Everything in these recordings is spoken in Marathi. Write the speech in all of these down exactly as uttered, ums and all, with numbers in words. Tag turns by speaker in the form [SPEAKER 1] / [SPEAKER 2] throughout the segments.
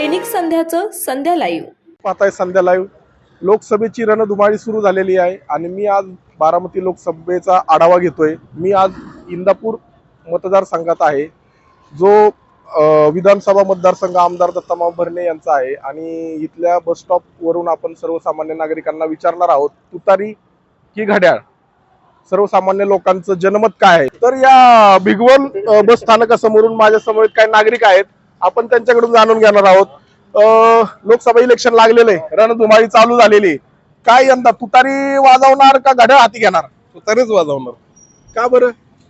[SPEAKER 1] दैनिक संध्याचं संध्या लाईव्ह.
[SPEAKER 2] पाहताय संध्या लाईव्ह. लोकसभेची रणधुमाळी सुरू झालेली आहे आणि मी आज बारामती लोकसभेचा आढावा घेतोय. मी आज इंदापूर मतदारसंघात आहे, जो विधानसभा मतदारसंघ आमदार दत्तामाव भरणे यांचा आहे आणि इथल्या बस स्टॉप वरून आपण सर्वसामान्य नागरिकांना विचारणार आहोत, तुतारी की घड्याळ. सर्वसामान्य लोकांचं जनमत काय आहे. तर या भिगवण बस स्थानकासमोरून माझ्या समोर काही नागरिक आहेत, आपण त्यांच्याकडून जाणून घेणार आहोत. लोकसभा इलेक्शन लागलेले, रणधुमाळी चालू झालेली, काय यंदा तुतारी वाजवणार का घड्याळ हाती घेणार?
[SPEAKER 3] तुतारीच वाजवणार.
[SPEAKER 2] का बरं?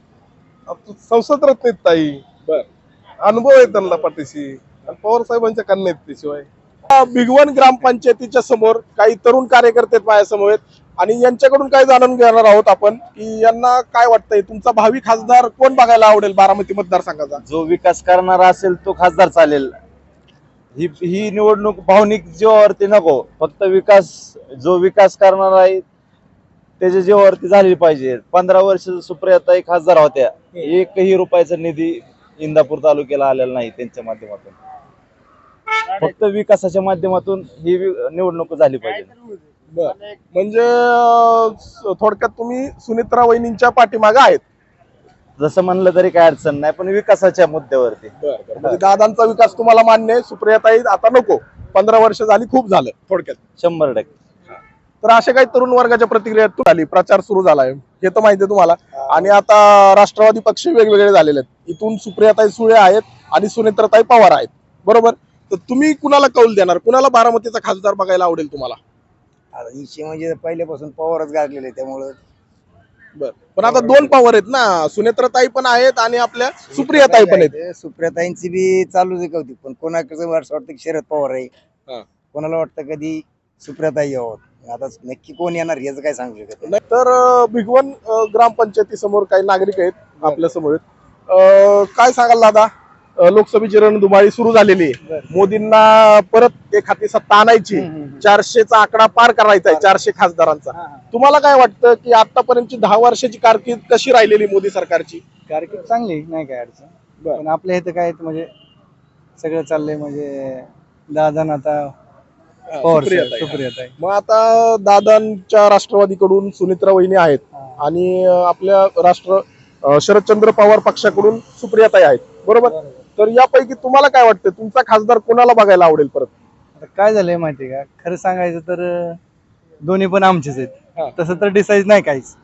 [SPEAKER 3] संसद रत्न आहेत ताई,
[SPEAKER 2] बर
[SPEAKER 3] अनुभव आहे त्यांना पाठीशी, आणि पवार साहेबांच्या कन्या आहेत त्याशिवाय.
[SPEAKER 2] भिगवण ग्रामपंचायतीच्या समोर काही तरुण कार्यकर्ते आहेत माझ्या समोर आणि यांच्याकडून काय जाणून घेणार आहोत आपण की यांना काय वाटतंय, तुमचा भावी खासदार कोण बघायला आवडेल बारामती मतदारसंघाचा?
[SPEAKER 4] जो विकास करणारा असेल तो खासदार चालेल. ही ही निवडणूक भावनिक जीवावरती नको, फक्त विकास, जो विकास करणार आहे त्याच्या जीवावरती झाली पाहिजे. पंधरा वर्ष सुप्रियाताई खासदार होत्या, एकही रुपयाचा निधी इंदापूर तालुक्याला आलेला नाही त्यांच्या माध्यमातून. फक्त विकासाच्या माध्यमातून ही निवडणूक झाली पाहिजे.
[SPEAKER 2] म्हणजे थोडक्यात तुम्ही सुनेत्रा वहिनींच्या पाठीमागे आहेत,
[SPEAKER 4] जसं म्हणलं तरी काय अडचण नाही, पण विकासाच्या मुद्द्यावरती.
[SPEAKER 2] म्हणजे दादांचा विकास तुम्हाला मान्य आहे, सुप्रियाताई आता नको, पंधरा वर्ष झाली, खूप झालं थोडक्यात.
[SPEAKER 4] शंभर टक्के.
[SPEAKER 2] तर अशा काही तरुण वर्गाच्या प्रतिक्रिया झाली, प्रचार सुरू झालाय हे तर माहिती आहे तुम्हाला. आणि आता राष्ट्रवादी पक्ष वेगवेगळे झालेले आहेत, इथून सुप्रियाताई सुळे आहेत आणि सुनेत्रताई पवार आहेत, बरोबर. तर तुम्ही कुणाला कौल देणार, कुणाला बारामतीचा खासदार बघायला आवडेल तुम्हाला?
[SPEAKER 5] इशे म्हणजे पहिल्यापासून पवारच गाजलेले त्यामुळे.
[SPEAKER 2] बर, पण आता दोन पवार आहेत ना, सुनेत्रताई पण आहेत आणि आपल्या सुप्रियाताई पण आहेत.
[SPEAKER 5] सुप्रियाताईंची बी चालूच आहे कौतुक, पण कोणाकडे वाटतं की शरद पवार आहे, कोणाला वाटतं कधी सुप्रियाताई यावं. आता नक्की कोण येणार याचं काय सांगू शकत
[SPEAKER 2] नाही. तर भिगवण ग्रामपंचायती समोर काही नागरिक आहेत आपल्या समोर, काय सांगाल दादा? लोकसभेची रणधुमाळी सुरू झालेली आहे, मोदींना परत एक हाती सत्ता आणायची, चारशेचा आकडा पार करायचा आहे, चारशे खासदारांचा. तुम्हाला काय वाटतं की आतापर्यंतची दहा वर्षाची कारकीर्द कशी राहिलेली मोदी सरकारची?
[SPEAKER 6] कारकीर्द चांगली नाही काय अडचण, पण आपल्या इथं काय म्हणजे सगळं चाललंय, म्हणजे दादा आता सुप्रियाताई.
[SPEAKER 2] मग आता दादांच्या राष्ट्रवादीकडून सुनेत्रा वहिनी आहेत आणि आपल्या राष्ट्र शरदचंद्र पवार पक्षाकडून सुप्रियाताई आहेत, बरोबर. तर यापैकी तुम्हाला काय वाटतं, तुमचा खासदार कोणाला बघायला आवडेल परत?
[SPEAKER 6] आता काय झालंय माहितीये का, खरं सांगायचं तर दोन्ही पण आमचेच आहेत, तसं तर डिसाईड नाही काहीच,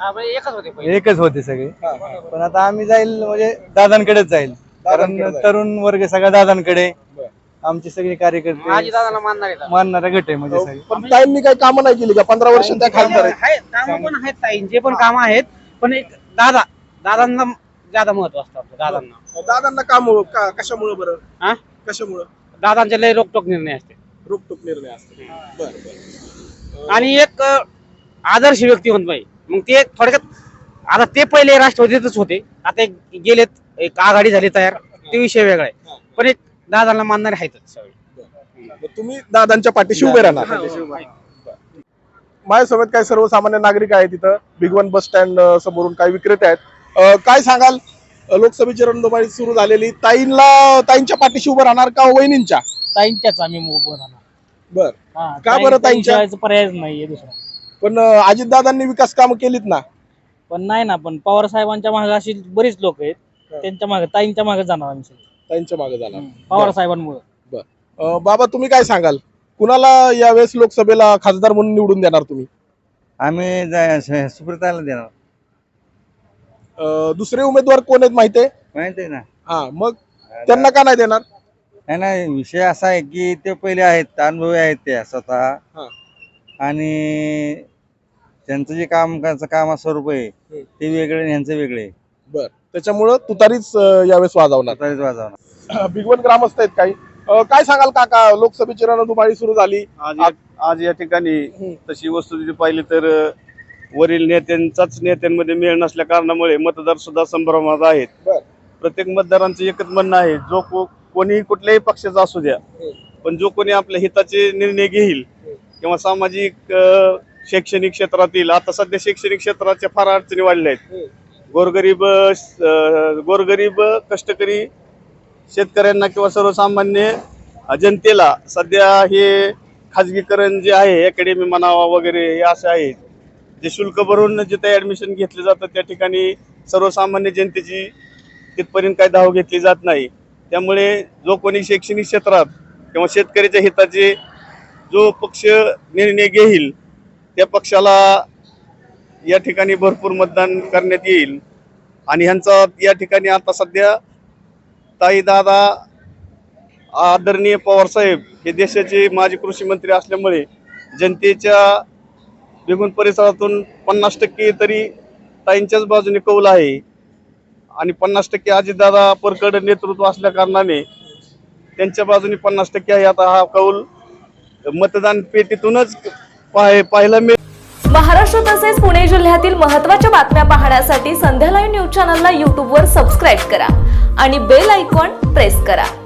[SPEAKER 6] एकच होते सगळे. पण आता आम्ही जाईल म्हणजे दादांकडेच जाईल, कारण तरुण वर्ग सगळा दादांकडे, आमचे सगळे कार्यकर्ते मानणारा गट आहे म्हणजे सगळे.
[SPEAKER 2] पण ताईंनी काही कामं नाही केली का पंधरा वर्ष त्या खासदार आहेत?
[SPEAKER 7] कामं पण आहेत ताईंचे पण कामं आहेत, पण एक दादा दादांना ज्यादा महत्व असतं. दादांना
[SPEAKER 2] दादांना काम कशामुळे बरं?
[SPEAKER 7] हा
[SPEAKER 2] कशामुळे?
[SPEAKER 7] दादांचे लय रोकटोक निर्णय असते,
[SPEAKER 2] रोकटोक निर्णय असते. बरं बरं.
[SPEAKER 7] आणि एक आदर्श व्यक्ती म्हणतो बाई. मग ते थोडक्यात आता ते पहिले राष्ट्रवादीतच होते, आता एक गेलेत, एक आघाडी झाली तयार, ते विषय वेगळा आहे, पण एक दादांना मानणारे आहेतच सगळे.
[SPEAKER 2] तुम्ही दादांच्या पाठीशी उभे राहणार? माझ्यासोबत काही सर्वसामान्य नागरिक आहेत, तिथं भिगवण बस स्टँड समोरून काही विक्रेते आहेत. काय सांगाल, लोकसभेची रणधुमाळी सुरू झालेली, ताईंना ताईंच्या पाठीशी उभं राहणार का वहिनींच्या?
[SPEAKER 7] ताईंच्याच आम्ही उभं राहणार.
[SPEAKER 2] बर, का बरं ताईंच्या?
[SPEAKER 7] पर्यायच नाहीये दुसरा.
[SPEAKER 2] पण अजितदादांनी विकास कामं केलीत ना.
[SPEAKER 7] पण नाही ना, पण पवार साहेबांच्या मागे अशी बरीच लोक आहेत, त्यांच्या मागे ताईंच्या मागे जाणार आम्ही,
[SPEAKER 2] ताईंच्या मागे जाणार
[SPEAKER 7] पवार साहेबांमुळे.
[SPEAKER 2] बर, बाबा तुम्ही काय सांगाल, कुणाला यावेळेस लोकसभेला खासदार म्हणून निवडून देणार तुम्ही?
[SPEAKER 5] आम्ही सुप्रियाताईला देणार.
[SPEAKER 2] दुसरे उमेदवार कोण आहेत माहिती आहे?
[SPEAKER 5] माहिती आहे ना.
[SPEAKER 2] हा, मग त्यांना का नाही देणार?
[SPEAKER 5] नाही नाही, विषय असा आहे की ते पहिले आहेत, अनुभवी आहेत ते स्वतः, आणि त्यांचं जे काम काम स्वरूप आहे ते वेगळे आणि यांचं वेगळे.
[SPEAKER 2] बर, त्याच्यामुळं तुतारीच यावेळेस वाजवणार.
[SPEAKER 5] तुतारीच वाजवणार.
[SPEAKER 2] भिगवण ग्रामस्थ आहेत काही, काय सांगाल काका, लोकसभेची रणधुमाळी सुरू झाली
[SPEAKER 4] आज आज या ठिकाणी तशी वस्तुस्थिती पाहिली तर वरील नेत्यांचाच नेत्यांमध्ये मेळ नसल्या कारणामुळे मतदार सुद्धा संभ्रमात आहेत. प्रत्येक मतदारांचं एकच म्हणणं आहे, जो को, कोणी कुठल्याही पक्षाचा असू द्या, पण जो कोणी आपल्या हिताचे निर्णय घेईल किंवा सामाजिक शैक्षणिक क्षेत्रातील, आता सध्या शैक्षणिक क्षेत्राच्या फार अडचणी वाढल्या आहेत. गोरगरीब गोरगरीब कष्टकरी शेतकऱ्यांना किंवा सर्वसामान्य जनतेला सध्या हे खाजगीकरण जे आहे अकॅडमी म्हणावा वगैरे हे असे आहे जे शुल्क भरून जिथे ऍडमिशन घेतले जातं त्या ठिकाणी सर्वसामान्य जनतेची तिथपर्यंत काही धाव घेतली जात नाही. त्यामुळे जो कोणी शैक्षणिक क्षेत्रात किंवा शेतकऱ्याच्या हिताचे जो पक्ष निर्णय घेईल त्या पक्षाला या ठिकाणी भरपूर मतदान करण्यात येईल. आणि ह्यांचा या ठिकाणी आता सध्या ताई दादा आदरणीय पवार साहेब हे देशाचे माजी कृषी मंत्री असल्यामुळे जनतेच्या बेगून परिसरातून पन्नास टक्के तरी ताईंच्याच बाजूने कौल आहे आणि पन्नास टक्के अजितदादा परकड नेतृत्व असल्या कारणाने त्यांच्या बाजूने पन्नास टक्के आहे. आता हा कौल मतदान पेटीतूनच पाह पाहायला मिळेल.
[SPEAKER 1] महाराष्ट्र तसेच पुणे जिल्ह्यातील महत्त्वाच्या बातम्या पाहण्यासाठी संध्या लाईव्ह न्यूज चॅनलला यूट्यूबवर सबस्क्राईब करा आणि बेल आयकॉन प्रेस करा.